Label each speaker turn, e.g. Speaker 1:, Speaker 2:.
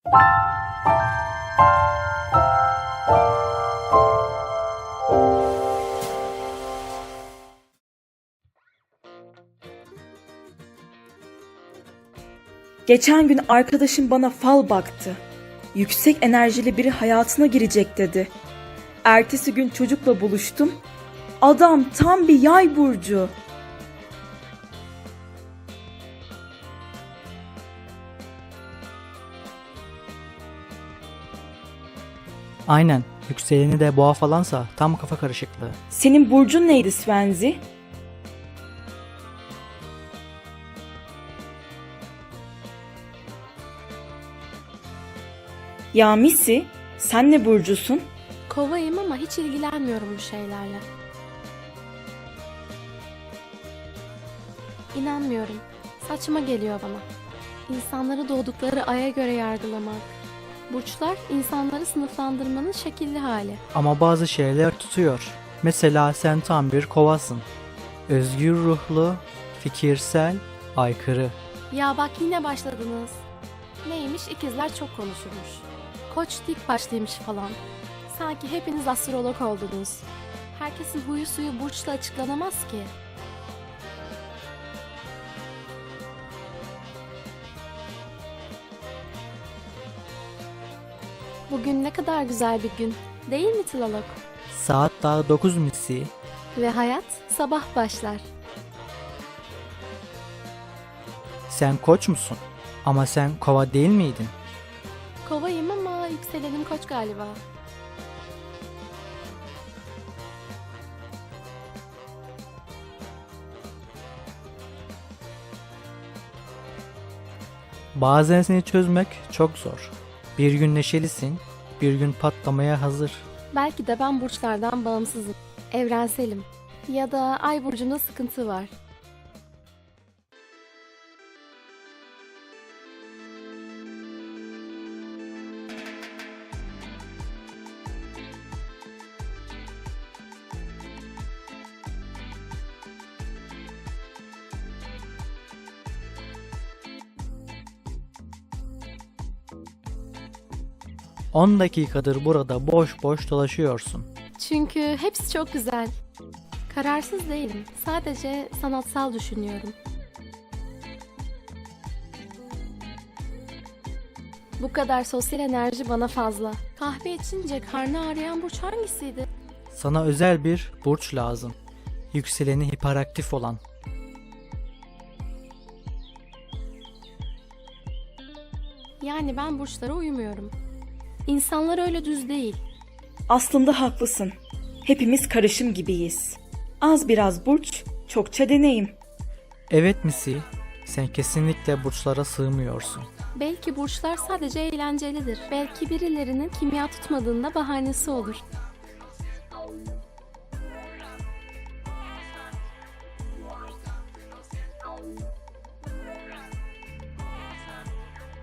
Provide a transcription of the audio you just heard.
Speaker 1: Geçen gün arkadaşım bana fal baktı. Yüksek enerjili biri hayatına girecek dedi. Ertesi gün çocukla buluştum. Adam tam bir yay burcu.
Speaker 2: Aynen. Yükseleni de boğa falansa tam kafa karışıklığı.
Speaker 1: Senin burcun neydi Svenzi? Ya Missy, sen ne burcusun?
Speaker 3: Kovayım ama hiç ilgilenmiyorum bu şeylerle. İnanmıyorum. Saçma geliyor bana. İnsanları doğdukları aya göre yargılamak. Burçlar insanları sınıflandırmanın şekilli hali.
Speaker 2: Ama bazı şeyler tutuyor. Mesela sen tam bir kovasın. Özgür ruhlu, fikirsel, aykırı.
Speaker 3: Ya bak yine başladınız. Neymiş, ikizler çok konuşurmuş. Koç dik başlıymış falan. Sanki hepiniz astrolog oldunuz. Herkesin huyu suyu burçla açıklanamaz ki. Bugün ne kadar güzel bir gün, değil mi Tılalok?
Speaker 2: Saat daha 9 Missy.
Speaker 3: Ve hayat sabah başlar.
Speaker 2: Sen koç musun? Ama sen kova değil miydin?
Speaker 3: Kovayım ama yükselenim koç galiba.
Speaker 2: Bazen seni çözmek çok zor. Bir gün neşelisin, bir gün patlamaya hazır.
Speaker 3: Belki de ben burçlardan bağımsızım. Evrenselim. Ya da ay burcunda sıkıntı var.
Speaker 2: On dakikadır burada boş boş dolaşıyorsun.
Speaker 3: Çünkü hepsi çok güzel. Kararsız değilim. Sadece sanatsal düşünüyorum. Bu kadar sosyal enerji bana fazla. Kahve içince karnı ağrıyan burç hangisiydi?
Speaker 2: Sana özel bir burç lazım. Yükseleni hiperaktif olan.
Speaker 3: Yani ben burçlara uymuyorum. İnsanlar öyle düz değil.
Speaker 1: Aslında haklısın. Hepimiz karışım gibiyiz. Az biraz burç, çokça deneyim.
Speaker 2: Evet Missy, sen kesinlikle burçlara sığmıyorsun.
Speaker 3: Belki burçlar sadece eğlencelidir. Belki birilerinin kimya tutmadığında bahanesi olur.